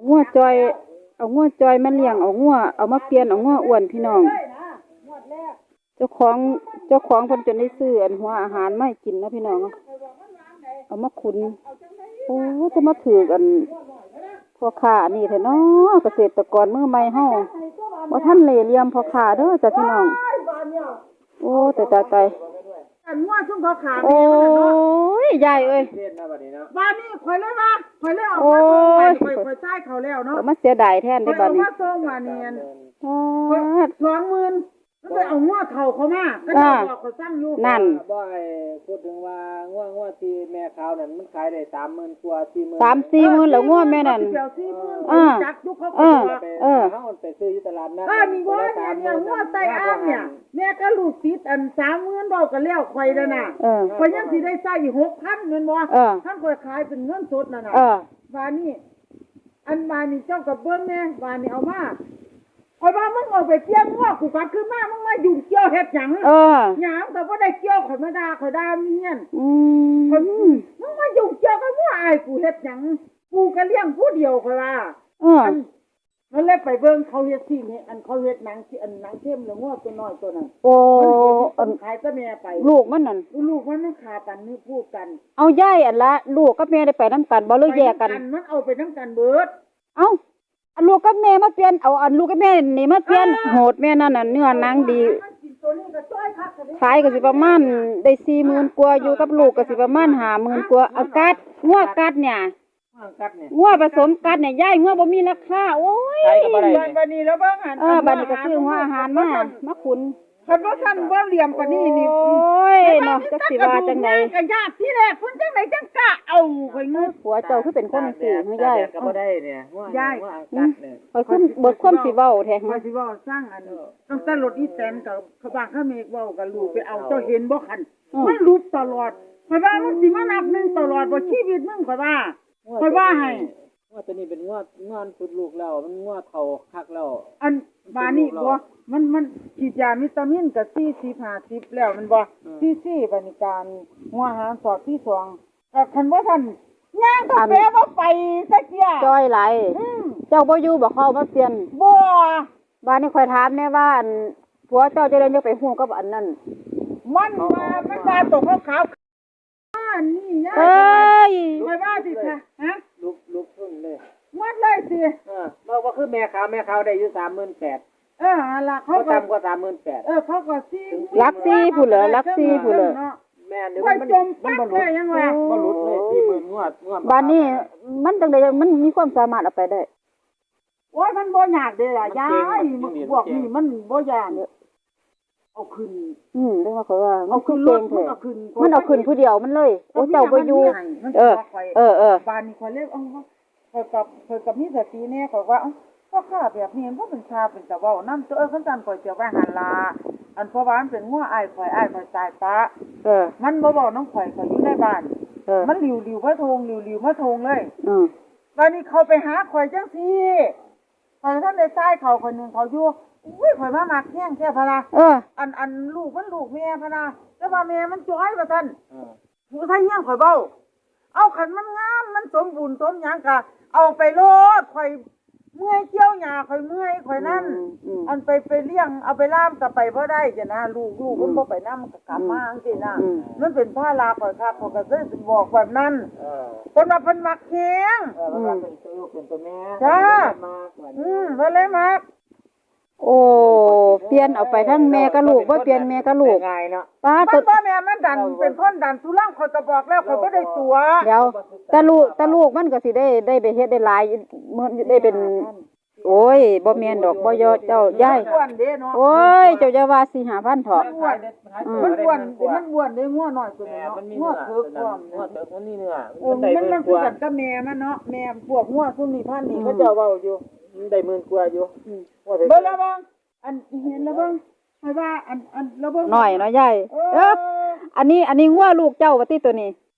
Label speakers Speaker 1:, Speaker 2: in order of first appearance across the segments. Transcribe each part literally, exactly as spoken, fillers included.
Speaker 1: งัวจอยเอางัวจอยมาเลี้ยงเอางัวเอามาเปลี่ยนเอางัวอ้วนพี่น้องเจ้าของเจ้าของเพิ่นจนได้ซื้ออันหัวอาหารมาให้กินนะพี่น้องเอามาขุนโอ้จะมาถือกันพ่อค้านี่แท้เนาะเกษตรกรมือใหม่เฮาบ่ทันเหล่เหลี่ยมพ่อค้าเด้อจ้ะพี่น้องโอ้แต่ตายตาย
Speaker 2: อันงัวซุ่มเขาขา
Speaker 1: โอ้ยยายเอ้ย
Speaker 2: บ้านนี้ข่อยเลยว่าข่อยเลยเอามาส่งไปข่อยจ่ายเขาแล้วเนาะ
Speaker 1: มาเสียดายแทนได้บัดนี้
Speaker 2: เอามาส่งว่านี่อันสองหมื่นแล้วไปเอางัวเฒ่าเขามาก็จะบอกเขาสั่งอยู่
Speaker 1: นั่น
Speaker 3: บ่ไอ้พูดถึงว่างัวงัวที่แม่ขาวนั่นมันขายได้สามหมื่นกว่าสี่หมื่น
Speaker 1: สามสี่หมื่นแล้วงัวแม่นั่น
Speaker 2: เออจักยุคเขาเออ
Speaker 3: เออเฮาไปซื้ออยู่ตลาดนัด
Speaker 2: เออนี่ว่าเนี่ยงัวไตอ้างเนี่ยแม่ก็ลูกติดอันสามหมื่นเว้ากันแล้วข่อยแล้วน่ะข่อยยังสิได้ใช้อีก หกพัน แม่นบ่ท่านข่อยขายเป็นเงินสดนั่นน่ะว่านี่อันมานี่เจ้ากับเบิ่งแม่ว่านี่เอามาข่อยว่ามึงออกไปเกี่ยวงัวกูกลับขึ้นมามึงมายุ่งเกี่ยวเฮ็ดหยังเออหยังก็บ่ได้เกี่ยวข่อยมาด่าข่อยด่าเมียนอืมมึงมายุ่งเกี่ยวกับงัวอ้ายกูเฮ็ดหยังกูก็เลี้ยงผู้เดียวข่อยว่าเออนั่นแหละไปเบิ่งเขาเฮ็ดที่นี่อันเขาเฮ็ดหนังที่อันหนังเข้มแล้วงัวตัวน้อยตัวนั้น
Speaker 1: โอ้
Speaker 2: อันขายก็แม่ไป
Speaker 1: ลูกมันนั่น
Speaker 2: ลูกมันมันขาปันนี่พูดกัน
Speaker 1: เอายายอันละลูกกับแม่ได้ไปนำกันบ่เลยแยกกัน
Speaker 2: มันเอาไปนำกันเบิด
Speaker 1: เอ้าอันลูกกับแม่มาเปลี่ยนเอาอันลูกกับแม่นี่มาเปลี่ยนโหดแม่นั่นน่ะเนื้อหนังดีขายก็สิประมาณได้สี่หมื่นกว่าอยู่กับลูกก็สิประมาณห้าหมื่นกว่าเอากัดงัวกัดเนี่ยงัวผสมกัดเนี่ยยายงัวบ่มีราคาโอ้ย
Speaker 2: บัดนี้แล้วเบิ่งหัน
Speaker 1: เออบัดนี้ก็ซื้อหัวอาหารมามาขุน
Speaker 2: คันบ่ทันบ่เหลี่ยมกว่านี้นี่
Speaker 1: โอ้ยเนาะจักสิว่าจังได๋
Speaker 2: ก็ญาติที่แรกเพิ่นจังได๋จังกะเอาข่อยงึด
Speaker 1: ผัวเจ้าคือเป็นคนจังซี่เฮายาย
Speaker 3: ก็บ่ได้เนี่ยงัวยายกัดเนี่ย
Speaker 1: ข่อยคือเบิดความสิเว้าแท้
Speaker 2: ข่อยสิเว้าสร้างอันตั้งแต่รถอีแตนกับเขาบ้านเขาเมฆเว้ากับลูกไปเอาเจ้าเห็นบ่คันมันรูปตลอดข่อยว่ามันสิมานับหนึ่งตลอดบ่ชีวิตมึงข่อยว่าข่อยว่าให้
Speaker 3: งัวตัวนี้เป็นงัวงัวสุดลูกแล้วมันงัวเฒ่าคักแล้ว
Speaker 2: อันบานี่บ่มันมันฉีดยาวิตามินก็สี่สิบ ห้าสิบแล้วมันบ่สี่สิบปฏิการหัวอาหารสอดที่สองก็คันบ่ทันย่างกาแฟบ่ไปสักเที่ย
Speaker 1: จ้อยหลายเจ้าบ่อยู่บ่เข้ามาเปลี่ยน
Speaker 2: บ่
Speaker 1: บาดนี้ข่อยถามแน่ว่าอันผัวเจ้าจะได้จะไปฮู้กับอันนั้น
Speaker 2: มันมามันมาตกขาวๆนี่ย่าเอ้ยข่อยว่าสิค่ะฮะ
Speaker 3: ลุกลุกขึ้นเลย
Speaker 2: หมดเลยสิ
Speaker 3: เออบ่ว่าคือแม่ขาวแม่ขาวได้อยู่ สามหมื่นแปดพัน
Speaker 2: เออล่ะเขา
Speaker 3: ก็ต่ำกว่า สามหมื่นแปดพัน
Speaker 2: เออเขาก็สี่
Speaker 1: ลักสี่ผู้เหลือลักสี่ผู้เหลือ
Speaker 3: แม่นี่มันมันบ่หลุดยังว่าบ่หลุดเลยสี่หมื่นงวดงวด
Speaker 1: บาดนี้มันจังได๋มันมีความสามารถเอาไปได้
Speaker 2: โอ้ยมันบ่ยากเด้ล่ะยายพวกนี้มันบ่ยากเอาขึ้น
Speaker 1: อืมเรียกว่าเขาว่าเอาขึ้นรถมันเอาขึ้นมันเอาขึ้นผู้เดียวมันเลยโอ้เจ้าบ่อยู่เออเออเออบ
Speaker 2: านนี้ข่อยเลยเอ้าข่อยกับข่อยกับมีสติแน่ข่อยว่าเอ้าก็ค่าแบบนี้บ่เป็นชาเป็นตะเว้านำตัวเออคันซั่นข่อยสิไปหันลาอันเพราะว่ามันเป็นงัวอ้ายข่อยอ้ายข่อยตายปะเออมันบ่เว้านำข่อยข่อยอยู่ในบ้านเออมันหลิวๆพะทงหลิวๆพะทงเลยอือบัดนี้เขาไปหาข่อยจังซี่ข่อยท่านได้ตายเขาคนนึงเขาอยู่อุ้ยข่อยมามักแห้งแท้พะนะเอออันอันลูกมันลูกแม่พะนะแต่ว่าแม่มันจ้อยว่าซั่นเออผู้ไทยเฮียงข่อยเบ้าเอาคันมันงามมันสมบูรณ์สมหยังก็เอาไปโลดข่อยเมื่อยเกี่ยวหญ้าข่อยเมื่อยข่อยนั่นอันไปไปเลี้ยงเอาไปล่ามก็ไปบ่ได้จ้ะนะลูกลูกมันบ่ไปนำก็กลับมาจังซี่นะมันเป็นภาระข่อยคักข่อยก็เลยบอกแบบนั้นเออเพิ่นว่าเพิ่นมักแฮงเออมันเป็นตัวเป็นตัวแม่จ้าอืมเพิ่นเลยมัก
Speaker 1: โอ้เปลี่ยนเอาไปทั้งแม่กับลูกบ่เปลี่ยนแม่กับลูก
Speaker 3: ง่ายเนาะ
Speaker 1: ป้า
Speaker 2: ตัวบ่แม่มันดันเป็นคนดันสุรังข่อยก็บอกแล้วข่อยบ่ได้ตัว
Speaker 1: เดี๋ยวแต่ลูกแต่ลูกมันก็สิได้ได้ไปเฮ็ดได้หลายมื้อได้เป็นโอ้ยบ่แม่นดอกบ่ยอเจ้ายายโอ้ยเจ้าอย่าว่า สี่ห้าพัน เถาะ
Speaker 2: มันอ้วนมันอ้วนได้งัวน้อยตัวนี้เนาะงัวเถิกความ
Speaker 3: งัวเถิกมันนี่เนื้อ
Speaker 2: มันมันคือกันกับแม่มันเนาะแม่พวกงัวซุมนี้พันนี่เขาเจ้าเว้าอยู่
Speaker 3: ได้หมื่นกว่าอยู่
Speaker 2: เบิ่งแล้วบ่อันเห็นแล้วเบิ่งให้ว่าอันอันแล้วเบิ่ง
Speaker 1: น้อยเนาะยายเอออันนี้อันนี้งัวลูกเจ้าว่าติตัวนี้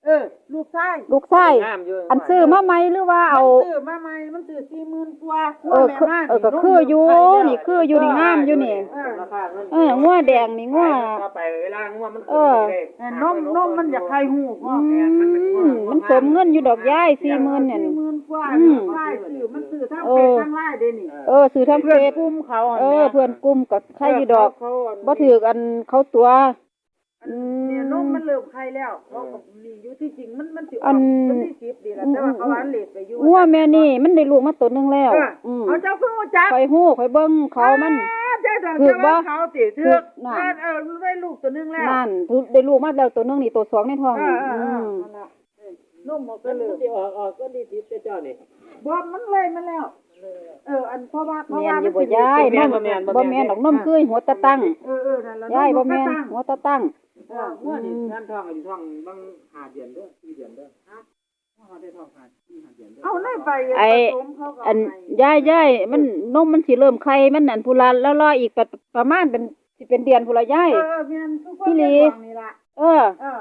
Speaker 2: เออลูกชาย
Speaker 1: ลูกชาย
Speaker 3: งามอยู่
Speaker 1: อันซื้อมาใหม่หรือว่าเอา
Speaker 2: มันซื้อมาใหม่มันซื้อสี่หมื่นกว่า
Speaker 1: เออคือเออก็คืออยู่นี่คืออยู่นี่งามอยู่นี่
Speaker 2: เออ
Speaker 3: ราคาเงิน
Speaker 1: เอองัวแดงนี่งัว
Speaker 3: ถ้าไปเวลางัวมัน
Speaker 1: เออ
Speaker 2: เออนมนมมันอยากไข่หูพ่อ
Speaker 1: อืมมันสมเงินอยู่ดอกย้ายสี่หมื่นเนี่ย
Speaker 2: สี่หมื่นกว่า
Speaker 1: อืม
Speaker 2: ไล่ซื้อมันซื้อทั้ง
Speaker 1: เอ
Speaker 2: เป็
Speaker 1: อ
Speaker 2: ดทั้งไล่เด้นี่
Speaker 1: เออซื้อทางเฟ
Speaker 2: เพื่อน
Speaker 1: ซ
Speaker 2: กลุ่มเขา
Speaker 1: เออเพื่อนกลุ่มกับใครอยู่ดอก
Speaker 2: เขาอัน
Speaker 1: บ่ถือกันเขาตัว อืม
Speaker 2: เนี่ยนมมันเริ่มไข่แล้วเขาก็นี่อยู่ที่จริงมันมันสิอ
Speaker 1: อั
Speaker 2: อก
Speaker 1: น
Speaker 2: มันที่สิบดีแล้วแต่ว่าเขาหวานเลทไปอยู่
Speaker 1: งัวแม่นี่มันได้ลูกมาตัวหนึงแล้ว
Speaker 2: เออ
Speaker 1: อืม
Speaker 2: เขาเจ้าเพิ่งรู้จัก
Speaker 1: ข่อยฮู้ข่อยเบิ่งเขามัน
Speaker 2: เจ้าเจ้า
Speaker 1: ถูกบ่
Speaker 2: เขาติ
Speaker 1: ถู
Speaker 2: ถือก
Speaker 1: น่ะ
Speaker 2: นั่นเออได้ลูกตัวหนึงแล้ว
Speaker 1: นั่นถูกได้ลูกมาแล้วตัวหนึงนี่ตัวสองในท้อง
Speaker 2: เอ
Speaker 1: นี่
Speaker 2: อเออเอ
Speaker 1: อื
Speaker 2: อ
Speaker 1: ม
Speaker 2: นั่นล่ะเออนมออก
Speaker 3: ก็
Speaker 2: ก็
Speaker 3: เล
Speaker 2: เลย ย
Speaker 3: ที่ออกออกก็ดีติดเจ้านี่
Speaker 2: บ่มันเลยมาแล้ว เอออันเพราะว่าเพราะ
Speaker 1: แม่
Speaker 2: ว่าน
Speaker 1: อยู่บ่
Speaker 2: มันสิ
Speaker 1: ยาย
Speaker 3: บ่
Speaker 1: น
Speaker 3: แม่
Speaker 1: ม
Speaker 3: นบ่แม่นบ่
Speaker 1: บ่
Speaker 3: แม่
Speaker 1: แม่น
Speaker 3: น
Speaker 1: ดอกนมคือหัวตะตั้ง
Speaker 2: เออเออนั่นล่ะ
Speaker 1: ยายบ่
Speaker 2: น
Speaker 1: แม่น
Speaker 2: ก็ตั้ง
Speaker 1: หัวตะตั้ง
Speaker 2: เออ
Speaker 3: งัวนี่งานท้องอยู่ท้องบางห้าเดือนเด้อสี่เดือนเด้อฮะงัวได้ท้องห้าสี่ห้าเดือนเด้อ
Speaker 2: เอาในไป
Speaker 1: ไอ้
Speaker 2: ผสมเขาก็
Speaker 1: อัน
Speaker 2: ให้
Speaker 1: ยายยายมันนมมันสิเริ่มไข่มันอันพุละแล้วรออีกประประมาณเป็นสิเป็นเดือนพุละยาย
Speaker 2: เออเออแม่นทุกคน
Speaker 1: พี่หลี
Speaker 2: เป็นห่วงนี่ล่ะ
Speaker 1: เออ
Speaker 2: เออน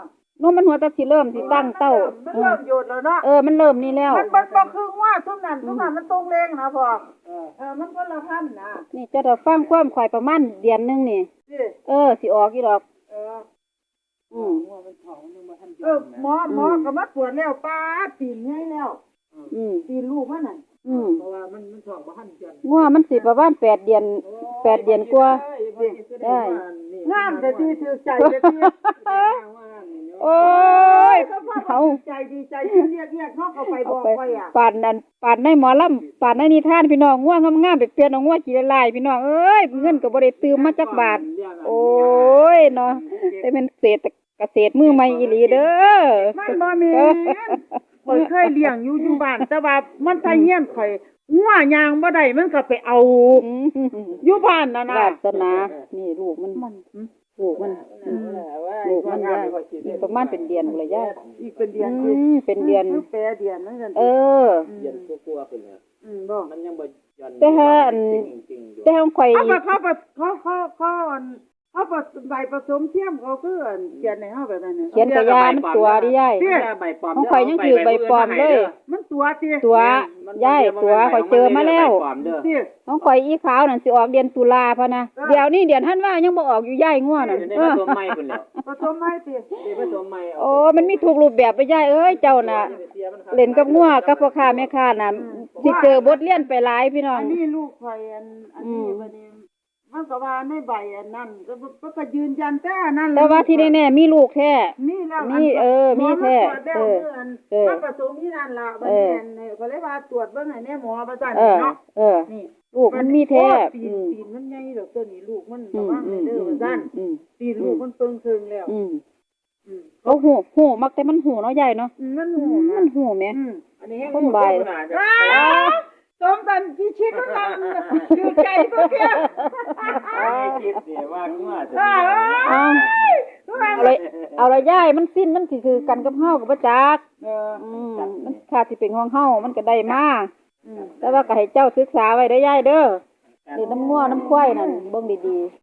Speaker 1: มมันหัวตะสิเริ่มสิตั้งเต้า
Speaker 2: มัน
Speaker 1: เอ
Speaker 2: เริ่
Speaker 1: อ
Speaker 2: มโยดแล้วเนาะ
Speaker 1: เออมันเริ่มนี่แล้ว
Speaker 2: มันมันบ่คือว่าทุกนั้นทุกนั้นมันตรงเลงนะพ่อ
Speaker 3: เออ
Speaker 2: เออมันคนละพันนะ
Speaker 1: นี่เจะได้ฟังความข่อยประมาณเดือนหนึงนี่
Speaker 2: สิ
Speaker 1: เออสิออกอีดอก
Speaker 2: เออ
Speaker 1: อืม
Speaker 3: งัวมันท้องมันยังบ่ทันเดื
Speaker 2: เออหมอหมอก็มาตรวจแล้วป้าตีนใหญ่แล้ว
Speaker 1: อืม
Speaker 2: ตีนลูกมันน่ะ
Speaker 1: อืม
Speaker 3: เพราะว่ามันมันท้องบ่ทันเดือน
Speaker 1: งัวมันสิประมาณแปดเดือนแปดเดือนกว่า ได้
Speaker 2: งามแต่ที่ถือใจแต่ที่
Speaker 1: โอ้ย
Speaker 2: เขา
Speaker 1: เขา
Speaker 2: ใจดีใจที่เรียกเรียกเขาเข้าไปบ
Speaker 1: เอา
Speaker 2: อก
Speaker 1: ไป
Speaker 2: ไว้อ่ะ
Speaker 1: ปานนั้นปานในหมอลำปานในนิทานพี่น้องง่วงงามๆไปเปลี่ยนเอาง่วงกี่ลายๆพี่น้องเอ้ยเงินก็บ่ได้ตืมมาจักบาท โอ้ยเนาะแต่เป็นเศรษฐเกษตรมือใหม่อีหลีเด้อ
Speaker 2: มันบ่แม่นข่อยเคยเลี้ยงอยู่อยู่บ้านแต่ว่ามันทะเฮียนข่อยงัวยางบ่ได้มันก็ไปเอา
Speaker 1: อืม
Speaker 2: อยู่บ้านน่ะนะ
Speaker 1: วาสนา นี่ลูกมันลูกมันอืมลูกมันยายอีกประมาณเป็นเดือนพุ่นละยาย
Speaker 2: อีกเป็นเดือน
Speaker 1: อืมเป็นเดือน
Speaker 2: คือแปรเดือนนั่นกัน
Speaker 1: เออ
Speaker 3: เดือนกลัวๆขึ้นแล้ว
Speaker 2: อืมบ่
Speaker 3: มันยังบ่ยัน
Speaker 1: แต่ถ้าอัน
Speaker 3: จริงๆอยู่
Speaker 1: แต่ของข่อย
Speaker 2: เขาเขาเขาเขาเขาเขาใบผสมเทียมเขาคือเขียนในเฮาแบบนั้นน่ะ
Speaker 1: เขียนกระยามันตัวดิยาย
Speaker 3: เดี๋ยวใบปลอม
Speaker 1: ของข่อยยังถือใบปลอมเลย
Speaker 2: มันตัวติ
Speaker 1: ตัวย่ายตัวข่อยเจอมาแล้ว
Speaker 3: ใบปลอมเด้อ
Speaker 2: ติ
Speaker 1: ของข่อยอีขาวนั่นสิออกเดือนตุลาพะนะเดี๋ยวนี้เดือนธันวายังบ่ออกอยู่ย่ายง่วนั่น
Speaker 3: ได้
Speaker 1: เอ
Speaker 3: ผ
Speaker 1: อ
Speaker 3: สมใหม่พุ่นแล้ว
Speaker 2: ผสมให้ติ
Speaker 3: ได้ผสมใหม่
Speaker 1: โอ้มันมีทุกรูปแบบไปย่ายเอ้ยเจ้าน่ะเล่นกับง่วกับพ่อค้าแม่ค้าน่ะสิเจอบทเรียนไปหลายพี่น้อ
Speaker 2: อั
Speaker 1: ง
Speaker 2: นนี้ลูกข่อยอันอันนี้บัดนี้มันก็ว่าในใบอันนั้นก็ก็ก็ยืนยันแต่อันนั้น
Speaker 1: แต่ว่าที่แน่ๆมีลูกแท้
Speaker 2: มีแล้ว
Speaker 1: มีเออมีแท้
Speaker 2: เอ
Speaker 1: เอ
Speaker 2: อ
Speaker 1: อ
Speaker 2: เออผสมนี่นั่นล่ะบัดนี้อันนี้ก็เลยว่าตรวจเบิ่งให้แน่หมอประจัน
Speaker 1: เออ
Speaker 2: เนาะ
Speaker 1: เออ
Speaker 2: นี่
Speaker 1: ลูกมันมีแท้
Speaker 2: ตี
Speaker 1: อื
Speaker 2: น
Speaker 1: ม
Speaker 2: ตีนมันใหญ่ดอกตัวนี้ลูกมัน
Speaker 1: อื
Speaker 2: ระ
Speaker 1: ม
Speaker 2: วัง
Speaker 1: อื
Speaker 2: ให้
Speaker 1: ม
Speaker 2: เด้อ
Speaker 1: อืม
Speaker 2: ว่าซั่น
Speaker 1: อืม
Speaker 2: ตีนลูกมันเปิงเคิงแล้ว
Speaker 1: อืม
Speaker 2: อืม
Speaker 1: เขาหูหูมักแต่มันหูเนาะยายเนาะ
Speaker 2: มัน
Speaker 1: อื
Speaker 2: หู
Speaker 1: ม
Speaker 2: นะ
Speaker 1: มันหูแหม
Speaker 2: อืม
Speaker 3: อันนี้ให้
Speaker 1: คนบ่าย
Speaker 2: อ้าวสมตันที่ชิดมันนั่นคือใจตัวเดียว
Speaker 3: คิดสิว่างัวจะ
Speaker 2: อ้าว
Speaker 1: เอา เอาเลยเอาละยายมันสิ้นมันสิคือกันกับเฮากับบ่จัก
Speaker 2: เออ
Speaker 1: อืมมันค่าสิเป็นของเฮามันก็ได้มา
Speaker 2: อืม
Speaker 1: แต่ว่าก็ให้เจ้าศึกษาไว้เด้อยายเด้อนี่น้ำงัวน้ำควายนั่นเบิ่งดีๆ